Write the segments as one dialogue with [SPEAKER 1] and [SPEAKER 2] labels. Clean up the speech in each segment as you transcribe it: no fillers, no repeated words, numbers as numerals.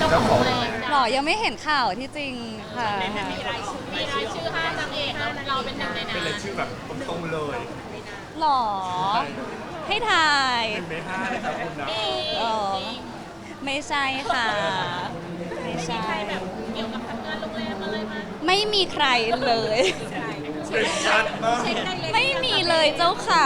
[SPEAKER 1] เจ้าของแบรนด์
[SPEAKER 2] หรอยังไม่เห็นข่าวที่จริงค่ะ
[SPEAKER 1] มีรายชื่อ5นางเอกแล้วเราเป็นหนึ่งในนั้นเป็นรายชื่อแบบตรงๆเลย
[SPEAKER 2] หรอให้ถ่าย
[SPEAKER 1] 1 ใน 5เลยครับคุณนะ
[SPEAKER 2] หรอไม่ใช่ค่ะ ไม่ใช่
[SPEAKER 1] แบบเกี่ยวกับทำงานโรงแรมอะไรมา
[SPEAKER 2] ไม่มีใครเลย
[SPEAKER 1] เช็คชัดมาก
[SPEAKER 2] ไม่มีเลยเจ้าค่ะ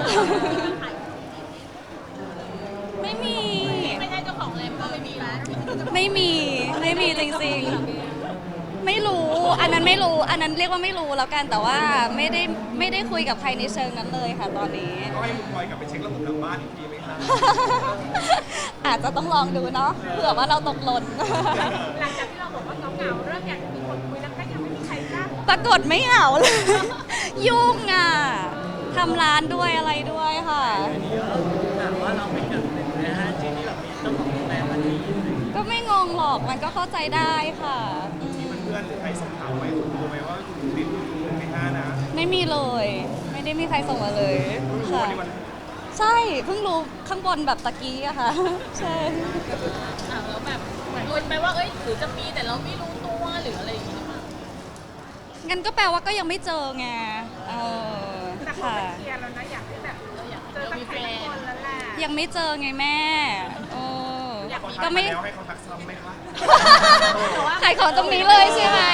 [SPEAKER 2] ไม่มี
[SPEAKER 1] ไม่ใช่เจ้าของแรมก็ไม่มีแล้ว
[SPEAKER 2] ไม่มีจริงๆ ไม่รู้ อันนั้นไม่รู้ อันนั้นเรียกว่าไม่รู้แล้วกัน แต่ว่าไม่ได้คุยกับใครในเชิงนั้นเลยค่ะตอนนี้
[SPEAKER 1] ก็ให้คุณพลอยกลับไปเช็คระบบทางบ้านอีกทีไหมครับ
[SPEAKER 2] อาจจะต้องลองดูเนาะ เผื่อว่าเราตกหล่น
[SPEAKER 3] หลังจากที่เราบอกว่าเหงาๆเริ่มอยากจะมีคนคุยแล้วก็ยังไม่มีใครกล้า
[SPEAKER 2] ปรากฏไม่เหงาเลย ยุ่งอ่ะ ทำร้านด้วยอะไรด้วยค่ะ
[SPEAKER 4] ถามว่าเราเป็นหนึ่งใน5ที่แบบมีเจ้าของโรงแรมอันนี้
[SPEAKER 2] ก็ไม่งงหรอก มันก็เข้าใจได้ค่ะอืม
[SPEAKER 1] เพื่อนหรือใครส่งข่าวไหมคุณรู้ไหมว่าคุณติด1 ใน 5นะ
[SPEAKER 2] ไม่มีเลย ไม่ได้มีใครส่งมาเลย
[SPEAKER 1] รู้
[SPEAKER 2] ค่ะ
[SPEAKER 1] วันนี้วัน
[SPEAKER 2] ใช่ เพิ่งรู้ข้างบนแบบตะกี้อะค่ะ ใช่
[SPEAKER 3] แล้วแบบเหมือนลุ้นไปว่าเอ้ยหรือจะมีแต่เราไม่รู้ตัวหรืออะไรอย่างงี้หรือเปล่า
[SPEAKER 2] งั้นก็แปลว่าก็ยังไม่เจอไง
[SPEAKER 3] แต่พอ
[SPEAKER 2] ค่ะ
[SPEAKER 3] เป็นเคลียร์แล้วนะอยากให้แบบเจอสักใครสักคนแล้วแหละ
[SPEAKER 2] ยังไม่เจอไงแม่เออ
[SPEAKER 1] เขาทั
[SPEAKER 2] ก็
[SPEAKER 1] กมา
[SPEAKER 2] ไม่
[SPEAKER 1] แล้วให้เขาทักซ้ำไหมคะ
[SPEAKER 2] ขายของตรงนี้เลยใช่ไหม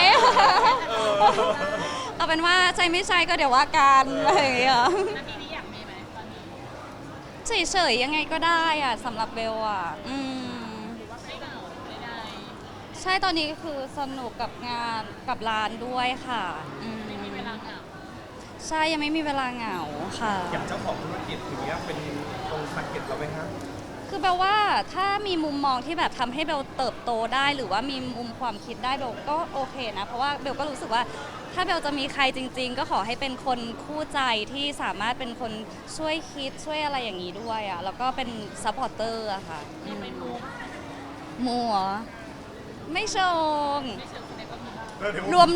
[SPEAKER 2] เอาเป็นว่าใช่ไม่ใช่ก็เดี๋ยวว่ากันอะไรอย่างเงี้ย
[SPEAKER 3] นาทีนี้อยากมีไหมตอนนี้
[SPEAKER 2] เฉยๆยังไงก็ได้อะสำหรับเบลอะ
[SPEAKER 3] ว่าไม่เหงาไม่ได้
[SPEAKER 2] ใช่ตอนนี้ก็คือสนุกกับงานกับร้านด้วยค่ะไม่มี
[SPEAKER 3] เวลาเหงา
[SPEAKER 2] ใช่ยังไม่มีเวลาเหงาค่ะ
[SPEAKER 1] อย่างเจ้าของธุรกิจอย่างเงี้ยเป็นตรงสังเกตเราไหมครับ
[SPEAKER 2] คือแปลว่าถ้ามีมุมมองที่แบบทำให้เบลเติบโตได้หรือว่ามีมุมความคิดได้เบลก็โอเคนะ เพราะว่าเบลก็รู้สึกว่าถ้าเบลจะมีใครจริง ๆ ก็ขอให้เป็นคนคู่ใจที่สามารถเป็นคนช่วยคิดช่วยอะไรอย่างนี้ด้วยอ่ะแล้วก็เป็นซัพพอร์เตอร์อะค่ะมัวไม่ชงรวม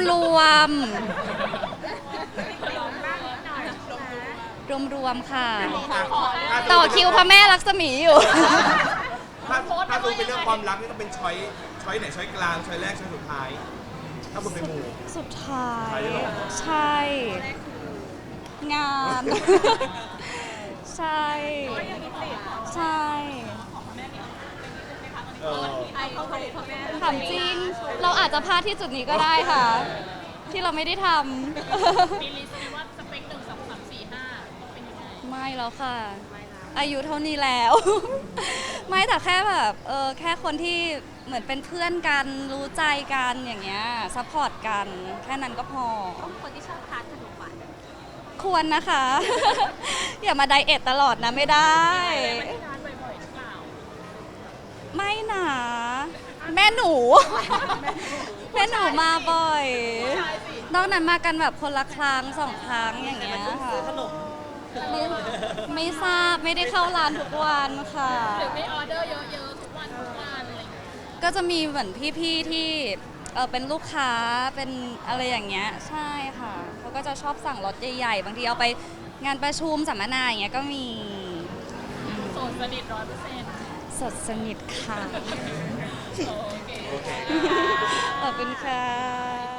[SPEAKER 2] รวมค่ะ ต่อคิวพระแม่ลักษมีอยู่
[SPEAKER 1] ถ้าดูเป็นเรื่องความรักนี่ต้องเป็นช้อยไหนช้อยกลางช้อยแรกช้อยสุดท้าย ถ้าคุณเป็นหมู่
[SPEAKER 2] สุดท้าย
[SPEAKER 1] ใช่เหรอ
[SPEAKER 2] ใช่ งาน ใช่ ใช่
[SPEAKER 1] เออ
[SPEAKER 3] ไอ้เขาพ่อแม่
[SPEAKER 2] ถามจริง เราอาจจะพลาดที่จุดนี้ก็ได้ค่ะ ที่เราไม่ได้ท
[SPEAKER 3] มีลิสต์ไหมว่าสเปค1 2 3 4 5เป็นยังไง
[SPEAKER 2] ำ ไม่แล้วค่ะ อายุเท่านี้แล้ว ไม่แต่แค่แบบแค่คนที่เหมือนเป็นเพื่อนกันรู้ใจกันอย่างเงี้ยซัพพอร์ตกันแค่นั้นก็พอ
[SPEAKER 3] คนที่ชอบทานขนมหวาน
[SPEAKER 2] ควรนะคะ อย่ามาไดเอทตลอดนะไม่ได้
[SPEAKER 3] ไม่ได้ทานบ่อยๆหรือเปล่า
[SPEAKER 2] ไม่หนาแม่หนู แม่หนูมาบ่อยนอกนั้นมากันแบบคนละครั้ง2 ครั้งอย่างเงี้ยค่ะไม่ทราบไม่ได้เข้าร้านทุกวันค่ะ
[SPEAKER 3] หรือไม่ออเดอร์เยอะๆทุกวันอะไรอย่างเงี้ย
[SPEAKER 2] ก็จะมีเหมือนพี่ๆที่เป็นลูกค้าเป็นอะไรอย่างเงี้ยใช่ค่ะเขาก็จะชอบสั่งรถใหญ่ๆบางทีเอาไปงานประชุมสัมมนาอย่างเงี้ยก็มี
[SPEAKER 3] โสดสนิท100%
[SPEAKER 2] สดสนิทค่ะ
[SPEAKER 3] โอเค
[SPEAKER 2] ขอบคุณค่ะ